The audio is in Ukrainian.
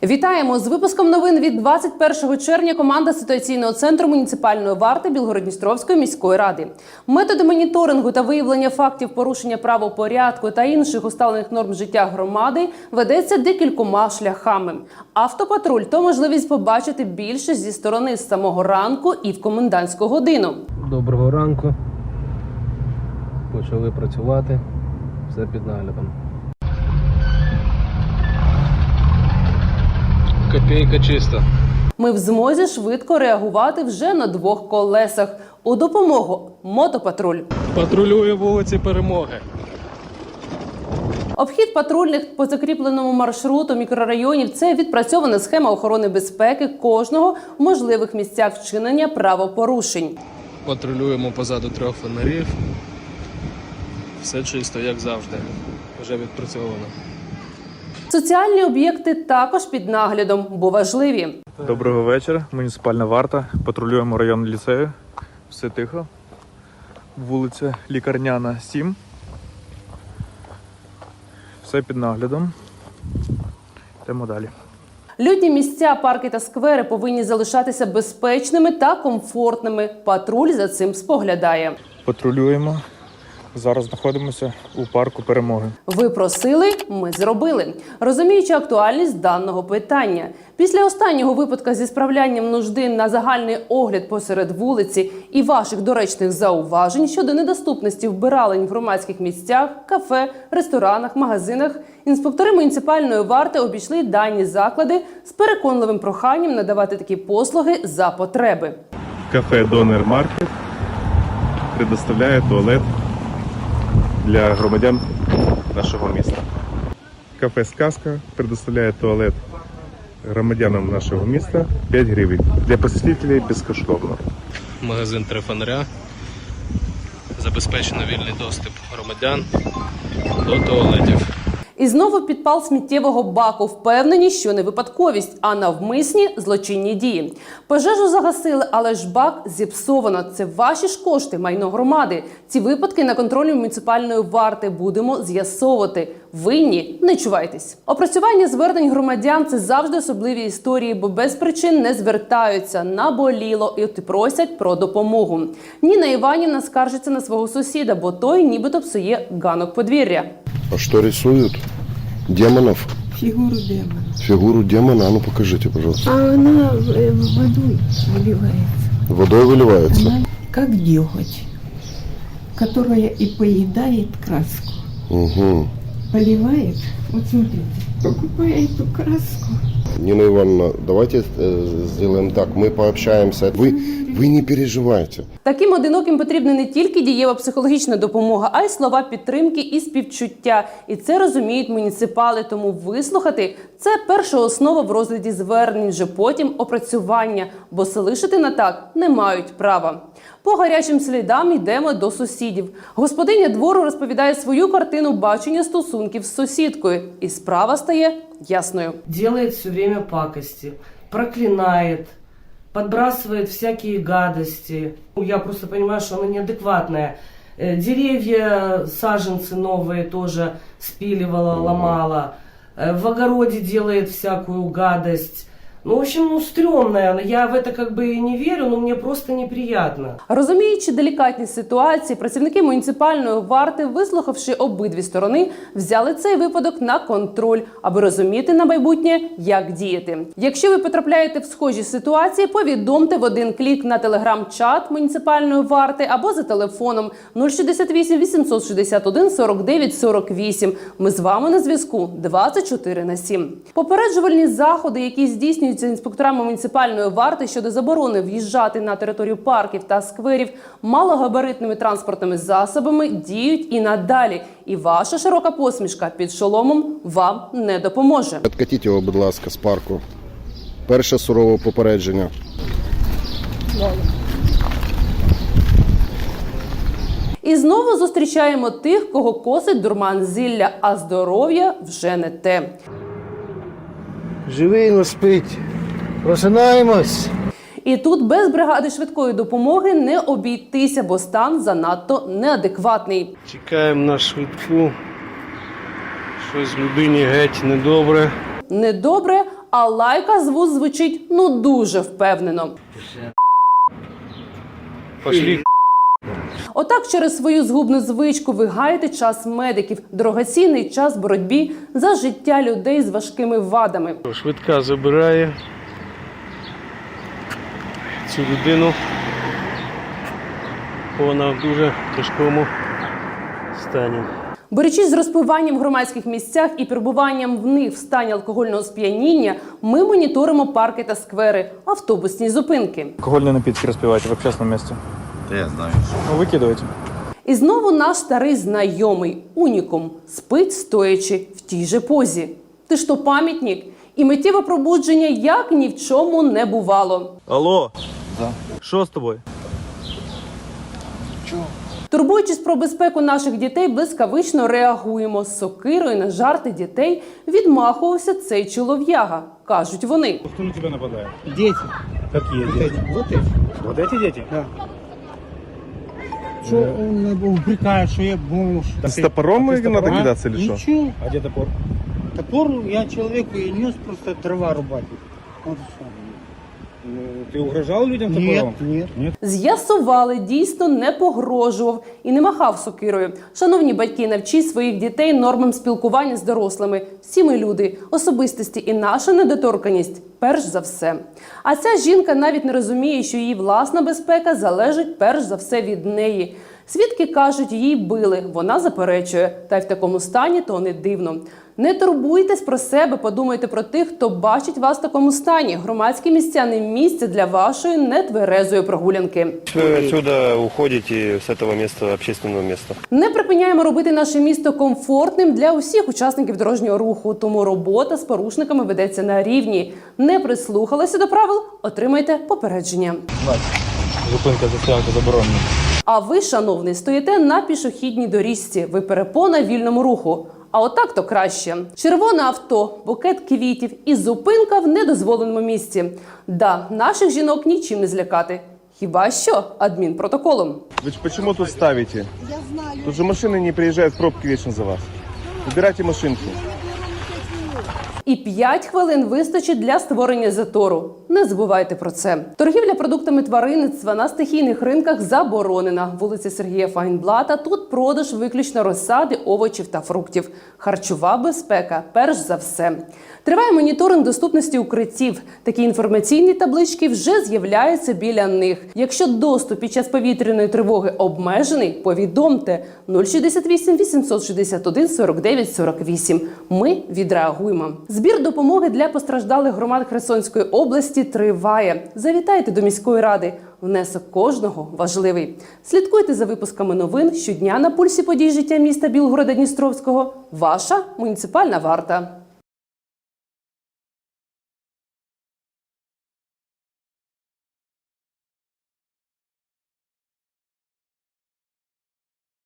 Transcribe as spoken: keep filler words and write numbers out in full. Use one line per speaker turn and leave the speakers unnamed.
Вітаємо! З випуском новин від двадцять першого червня команда ситуаційного центру муніципальної варти Білгород-Дністровської міської ради. Методи моніторингу та виявлення фактів порушення правопорядку та інших усталених норм життя громади ведеться декількома шляхами. Автопатруль – то можливість побачити більше зі сторони з самого ранку і в комендантську годину.
Доброго ранку. Почали працювати. Все під наглядом. Копійка чиста.
Ми в змозі швидко реагувати вже на двох колесах. У допомогу мотопатруль.
Патрулює вулиці Перемоги.
Обхід патрульних по закріпленому маршруту мікрорайонів – це відпрацьована схема охорони безпеки кожного в можливих місцях вчинення правопорушень.
Патрулюємо позаду трьох фонарів. Все чисто, як завжди. Вже відпрацьовано.
Соціальні об'єкти також під наглядом, бо важливі.
Доброго вечора. Муніципальна варта. Патрулюємо район ліцею. Все тихо. Вулиця Лікарняна, сім. Все під наглядом. Йдемо далі.
Людні місця, парки та сквери повинні залишатися безпечними та комфортними. Патруль за цим споглядає.
Патрулюємо. Зараз знаходимося у парку Перемоги.
Ви просили, ми зробили. Розуміючи актуальність даного питання. Після останнього випадку зі справлянням нужди на загальний огляд посеред вулиці і ваших доречних зауважень щодо недоступності вбиралень в громадських місцях, кафе, ресторанах, магазинах, інспектори муніципальної варти обійшли дані заклади з переконливим проханням надавати такі послуги за потреби.
Кафе «Донер Маркет» предоставляє туалет для громадян нашого міста. Кафе «Сказка» предоставляє туалет громадянам нашого міста п'ять гривень. Для посетителей безкоштовно.
Магазин «Три фонаря». Забезпечено вільний доступ громадян до туалетів.
І знову підпал сміттєвого баку. Впевнені, що не випадковість, а навмисні злочинні дії. Пожежу загасили, але ж бак зіпсовано. Це ваші ж кошти, майно громади. Ці випадки на контролі муніципальної варти будемо з'ясовувати. Винні – не чувайтесь. Опрацювання звернень громадян – це завжди особливі історії, бо без причин не звертаються, наболіло і просять про допомогу. Ніна Іванівна скаржиться на свого сусіда, бо той нібито псує ганок подвір'я.
А что рисуют? Демонов?
Фигуру демона.
Фигуру демона? А ну покажите, пожалуйста.
А она э, водой выливается.
Водой выливается?
Она как деготь, которая и поедает краску.
Угу.
Поливает. Вот смотрите, покупая эту краску.
Нина Ивановна, давайте э, сделаем так. Мы пообщаемся. Вы, вы не переживайте.
Таким одиноким потрібна не тільки дієва психологічна допомога, а й слова підтримки і співчуття. І це розуміють муніципали, тому вислухати – це перша основа в розгляді звернень, вже потім опрацювання, бо залишити на так не мають права. По гарячим слідам йдемо до сусідів. Господиня двору розповідає свою картину бачення стосунків з сусідкою. І справа стає ясною.
Делает все время пакости, проклинает, подбрасывает всякие гадости. Я просто понимаю, что она неадекватная. Э, Деревья, саженцы новые тоже спиливала, ломала. Э, В огороде делает всякую гадость. Ну, в общем, ну, стрёмная. Я в это как бы и не верю, но мне просто неприятно.
Розуміючи делікатність ситуації, працівники муніципальної варти, вислухавши обидві сторони, взяли цей випадок на контроль, аби розуміти на майбутнє, як діяти. Якщо ви потрапляєте в схожі ситуації, повідомте в один клік на телеграм-чат муніципальної варти або за телефоном нуль шістдесят вісім вісімсот шістдесят один сорок дев'ять сорок вісім. Ми з вами на зв'язку двадцять чотири на сім. Попереджувальні заходи, які здійснюються інспекторами муніципальної варти щодо заборони в'їжджати на територію парків та скверів малогабаритними транспортними засобами, діють і надалі. І ваша широка посмішка під шоломом вам не допоможе.
Откатіть його, будь ласка, з парку. Перше сурове попередження.
І знову зустрічаємо тих, кого косить дурман зілля, а здоров'я вже не те.
Живий, но спить. Просинаємось.
І тут без бригади швидкої допомоги не обійтися, бо стан занадто неадекватний.
Чекаємо на швидку. Щось людині геть недобре.
Недобре, а лайка з вуз звучить ну дуже впевнено.
Пошли.
Отак через свою згубну звичку ви гаєте час медиків, дорогоцінний час боротьбі за життя людей з важкими вадами.
Швидка забирає цю людину. Вона в дуже тяжкому стані.
Борючись з розпиванням в громадських місцях і перебуванням в них в стані алкогольного сп'яніння, ми моніторимо парки та сквери, автобусні зупинки.
Алкогольные напитки распивайте в общественном месте.
Я знаю.
Ну, выкидывайте.
І знову наш старий знайомий, унікум, спить стоячи в тій же позі. Ти ж то пам'ятник? І миттєве пробудження як ні в чому не бувало.
Алло. Що з тобою?
Турбуючись про безпеку наших дітей, блискавично реагуємо. З сокирою на жарти дітей відмахувався цей чолов'яга, кажуть вони.
Кто на тебя нападает?
Дети.
Какие дети?
Вот эти.
Вот эти дети?
Да. Что он упрекает, что я бомж.
С топором надо кидаться или что?
Ничего.
А где топор?
Топор я человеку и нес просто дрова рубать. Вот и всё.
Ты угрожал людям топором?
Нет, нет.
З'ясували, дійсно не погрожував і не махав сокирою. Шановні батьки, навчіть своїх дітей нормам спілкування з дорослими. Всі ми люди, особистості і наша недоторканність перш за все. А ця жінка навіть не розуміє, що її власна безпека залежить перш за все від неї. Свідки кажуть, її били, вона заперечує. Та й в такому стані то не дивно. Не турбуйтесь про себе, подумайте про тих, хто бачить вас в такому стані. Громадські місця не місце для вашої нетверезої прогулянки.
Вы отсюда уходите с этого места, общественного места.
Не припиняємо робити наше місто комфортним для усіх учасників дорожнього руху, тому робота з порушниками ведеться на рівні. Не прислухалися до правил – отримайте попередження.
Зупинка за стоянку заборонена.
А ви, шановний, стоїте на пішохідній доріжці, ви перепона вільному руху. А отак то краще. Червоне авто, букет квітів і зупинка в недозволеному місці. Да, наших жінок нічим не злякати. Хіба що адмінпротоколом.
Вы почему тут ставите? Я знаю. Тут же машины не приезжают, пробки вечно за вас. Убирайте машинки.
І п'ять хвилин вистачить для створення затору. Не забувайте про це. Торгівля продуктами тваринництва на стихійних ринках заборонена. Вулиця Сергія Файнблата. Тут продаж виключно розсади, овочів та фруктів. Харчова безпека – перш за все. Триває моніторинг доступності укриттів. Такі інформаційні таблички вже з'являються біля них. Якщо доступ під час повітряної тривоги обмежений, повідомте нуль шістдесят вісім вісімсот шістдесят один сорок дев'ять сорок вісім. Ми відреагуємо. Збір допомоги для постраждалих громад Херсонської області триває. Завітайте до міської ради. Внесок кожного важливий. Слідкуйте за випусками новин щодня на пульсі подій життя міста Білгорода-Дністровського. Ваша муніципальна варта.